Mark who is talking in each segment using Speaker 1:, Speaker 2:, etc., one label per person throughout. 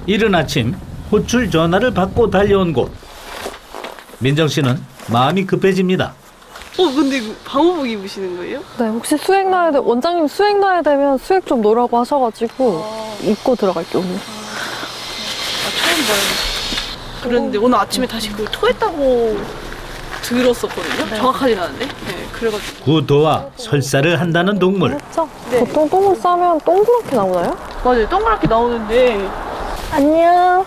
Speaker 1: 이른 아침 호출 전화를 받고 달려온 곳. 민정 씨는 마음이 급해집니다.
Speaker 2: 근데 이거 방호복 입으시는 거예요?
Speaker 3: 네, 혹시 수액 나야 돼, 원장님 수액 나야 되면 수액 좀 놓으라고 하셔가지고 입고 들어갈게요, 오늘.
Speaker 2: 처음 봐요. 그랬는데 오늘 아침에 다시 그걸 토했다고 들었었거든요? 정확하진 않은데? 네, 그래가지고.
Speaker 1: 구토와 설사를 한다는 동물.
Speaker 3: 했죠?
Speaker 2: 네.
Speaker 3: 보통 똥을 싸면 동그랗게 나오나요?
Speaker 2: 맞아요. 동그랗게 나오는데
Speaker 3: 안녕.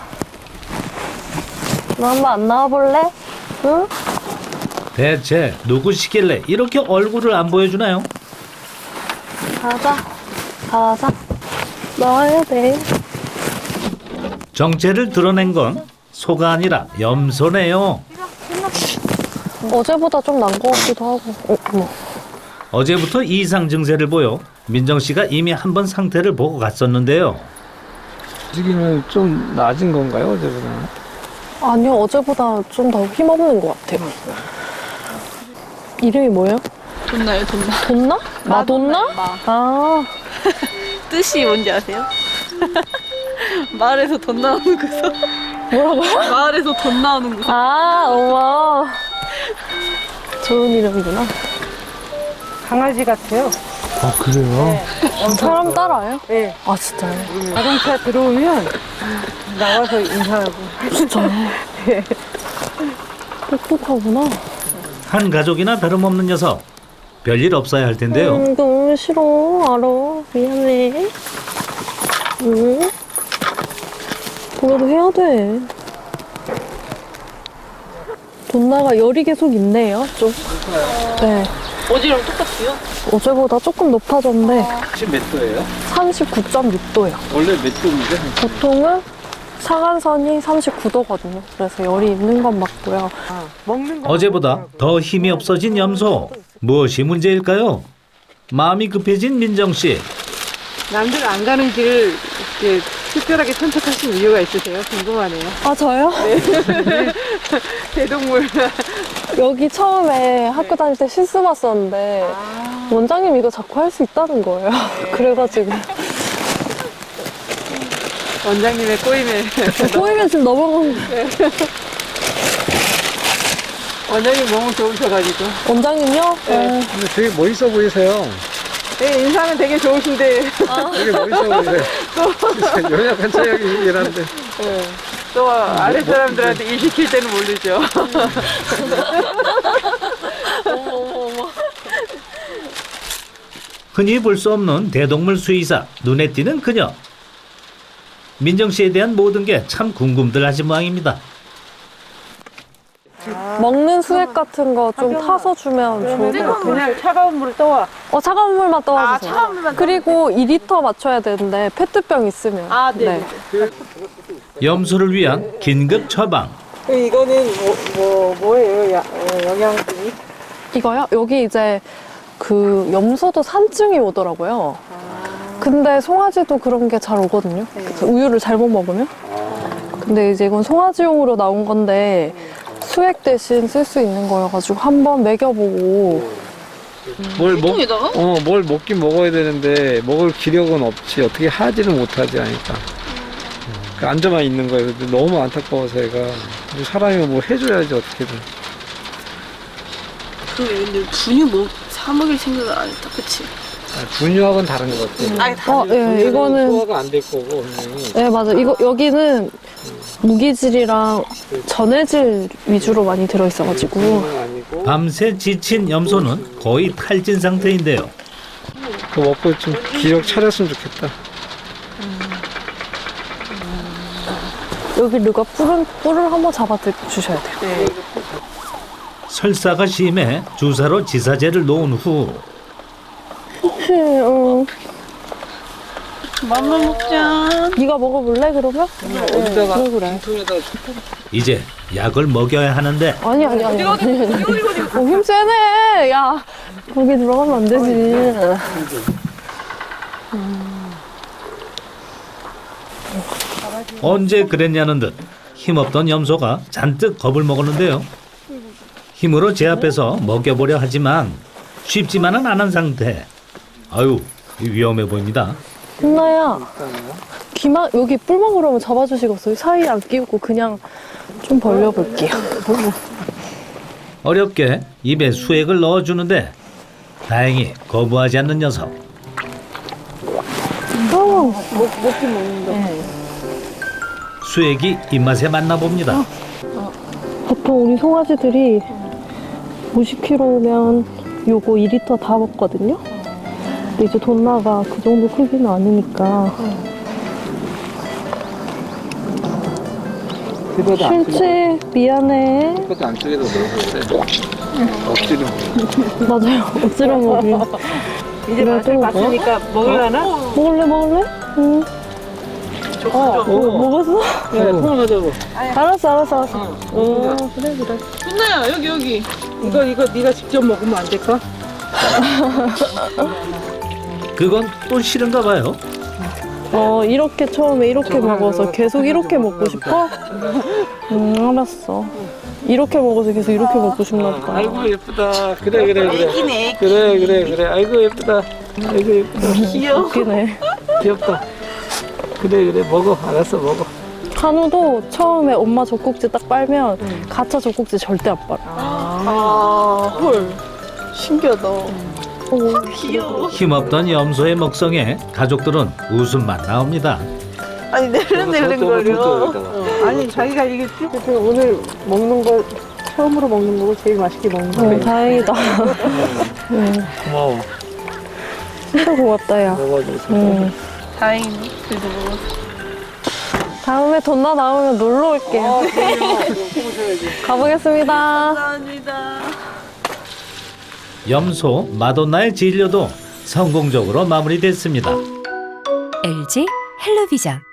Speaker 3: 너 한번 안 나와볼래? 응?
Speaker 1: 대체 누구시길래 이렇게 얼굴을 안 보여주나요?
Speaker 3: 가자. 가자. 나와야 돼.
Speaker 1: 정체를 드러낸 건 소가 아니라 염소네요.
Speaker 3: 어제보다 좀 난 것 같기도 하고. 어머.
Speaker 1: 어제부터 이상 증세를 보여 민정 씨가 이미 한 번 상태를 보고 갔었는데요.
Speaker 4: 움직임은 좀 낮은 건가요, 어제보다?
Speaker 3: 아니요, 어제보다 좀 더 힘없는 것 같아요. 이름이 뭐예요?
Speaker 2: 돈나요, 돈나.
Speaker 3: 돈나? 마돈나?
Speaker 2: 마.
Speaker 3: 아,
Speaker 2: 뜻이 뭔지 아세요? 마을에서 돈 나오는 곳서
Speaker 3: 뭐라고요?
Speaker 2: 마을에서 돈 나오는 곳.
Speaker 3: 아, 어머. 좋은 이름이구나.
Speaker 5: 강아지 같아요.
Speaker 4: 아, 그래요?
Speaker 3: 사람 따라요?
Speaker 5: 네.
Speaker 3: 아, 진짜요?
Speaker 5: 자동차 들어오면 나와서 인사하고.
Speaker 3: 진짜요? 똑똑하구나.
Speaker 1: 한 가족이나 다름없는 녀석. 별일 없어야 할 텐데요.
Speaker 3: 너무 싫어. 알아. 미안해. 응? 그래도 해야 돼. 돈나가 열이 계속 있네요, 좀. 네.
Speaker 2: 어제랑 똑같아요?
Speaker 3: 어제보다 조금 높아졌는데
Speaker 4: 지금 몇 도예요?
Speaker 3: 39.6도예요.
Speaker 4: 원래 몇 도인데?
Speaker 3: 보통은 사간선이 39도거든요. 그래서 열이 있는 건 맞고요.
Speaker 5: 먹는 거.
Speaker 1: 어제보다 더 힘이 없어진 염소. 무엇이 문제일까요? 마음이 급해진 민정 씨.
Speaker 5: 남들 안 가는 길을 이렇게 특별하게 선택하신 이유가 있으세요? 궁금하네요.
Speaker 3: 아, 저요?
Speaker 5: 대동물.
Speaker 3: 여기 처음에 학교 다닐 때 실습 왔었는데 원장님 이거 자꾸 할 수 있다는 거예요. 그래가지고
Speaker 5: 원장님의 꼬임에.
Speaker 3: 꼬이면 지금 넘어간
Speaker 5: 원장님 너무 좋으셔가지고.
Speaker 3: 원장님요?
Speaker 5: 네.
Speaker 4: 근데 되게 멋있어 보이세요.
Speaker 5: 네, 인상은 되게 좋으신데.
Speaker 4: 되게 멋있어 보이세요. 연약한 체력이긴 한데.
Speaker 5: 네. 또 아랫사람들한테 일 시킬 때는 모르죠.
Speaker 1: 흔히 볼 수 없는 대동물 수의사. 눈에 띄는 그녀. 민정 씨에 대한 모든 게 참 궁금들 하신 모양입니다.
Speaker 3: 먹는 수액 같은 거 좀 타서 주면 좋을 것 같아요.
Speaker 5: 그냥 차가운 물을 떠와.
Speaker 3: 차가운 물만 떠와주세요.
Speaker 2: 차가운 물만
Speaker 3: 그리고 2리터 맞춰야 되는데 페트병 있으면.
Speaker 2: 네.
Speaker 1: 염소를 위한 긴급 처방.
Speaker 5: 이거는 뭐예요? 영양분이?
Speaker 3: 이거요? 여기 이제 그 염소도 산증이 오더라고요. 근데 송아지도 그런 게 잘 오거든요. 그래서 우유를 잘못 먹으면. 근데 이제 이건 송아지용으로 나온 건데 수액 대신 쓸 수 있는 거여가지고 한번 먹여보고.
Speaker 2: 통에다가?
Speaker 4: 뭘 먹긴 먹어야 되는데 먹을 기력은 없지. 어떻게 하지는 못하지 하니까. 앉아만 있는 거예요. 근데 너무 안타까워서 얘가 사람이 뭐 해줘야지 어떻게든.
Speaker 2: 근데 분유 사 먹일 생각을 안 했다, 그치?
Speaker 4: 분유하고는 다른 것 같아요.
Speaker 3: 예, 이거는.
Speaker 4: 소화가 안 될 거고 분명히.
Speaker 3: 네, 맞아. 여기는 무기질이랑 전해질 위주로 많이 들어있어가지고.
Speaker 4: 아니고.
Speaker 1: 밤새 지친 염소는 거의 탈진 상태인데요.
Speaker 4: 그거 먹고 좀 기력 차렸으면 좋겠다.
Speaker 3: 여기 누가 뿔을 한번 잡아 주셔야 돼요.
Speaker 5: 네.
Speaker 1: 설사가 심해 주사로 지사제를 놓은 후
Speaker 2: 맘만 먹자.
Speaker 3: 네가 먹어볼래 그러면?
Speaker 4: 어디다가
Speaker 3: 그래.
Speaker 4: 빈통에다가
Speaker 1: 이제 약을 먹여야 하는데
Speaker 3: 아니. 힘 세네. 야, 거기 들어가면 안 되지.
Speaker 1: 언제 그랬냐는 듯 힘없던 염소가 잔뜩 겁을 먹었는데요. 힘으로 제압해서 먹여보려 하지만 쉽지만은 않은 상태. 아유, 위험해 보입니다.
Speaker 3: 혼나야 귀만 여기 뿔먹으로 한번 잡아주시겠어요? 사이에 안 끼우고 그냥 좀 벌려볼게요.
Speaker 1: 어렵게 입에 수액을 넣어주는데 다행히 거부하지 않는 녀석.
Speaker 2: 먹긴 먹는다.
Speaker 1: 수액이 입맛에 맞나 봅니다.
Speaker 3: 보통 우리 송아지들이 50kg면 요거 2리터 다 먹거든요. 근데 이제 돈나가 그 정도 크기는 아니니까. 실치 미안해.
Speaker 4: 그것도 안쪽에다 넣어서 그래. 억지로.
Speaker 3: 맞아요. 억지로 먹이.
Speaker 5: 이제 맛을 봤으니까 먹으려나?
Speaker 3: 먹을래? 응. 먹었어?
Speaker 4: 야, 통화 가자고.
Speaker 3: 알았어. 그래.
Speaker 5: 혼나야 여기. 이거 네가 직접 먹으면 안 될까?
Speaker 1: 그건 또 싫은가 봐요.
Speaker 3: 이렇게 처음에 이렇게 먹어서 계속 이렇게 먹고 싶어? 알았어. 이렇게 먹어서 계속 이렇게 먹고 싶나 보다.
Speaker 4: 아이고 예쁘다. 그래. 그래. 아이고 예쁘다. 아이고 예쁘다.
Speaker 3: 웃기네.
Speaker 4: 귀엽다. 그래. 먹어. 알았어 먹어.
Speaker 3: 한우도 처음에 엄마 젖꼭지 딱 빨면 가짜 젖꼭지 절대 안 빨아.
Speaker 2: 헐. 신기하다.
Speaker 3: 귀여워.
Speaker 1: 힘없던 염소의 먹성에 가족들은 웃음만 나옵니다.
Speaker 2: 아니 내른거려.
Speaker 5: 아니 자기가 이게 오늘 먹는 거 처음으로 먹는 거고 제일 맛있게 먹는 거.
Speaker 3: 다행이다.
Speaker 4: 고마워.
Speaker 3: 진짜 고맙다, 야.
Speaker 4: 먹어줘서.
Speaker 2: 다행이네. 그래도 먹었어.
Speaker 3: 다음에 돈나 나오면 놀러 올게요. 가보겠습니다.
Speaker 2: 감사합니다.
Speaker 1: 염소 마돈나의 진료도 성공적으로 마무리됐습니다.
Speaker 6: LG 헬로비전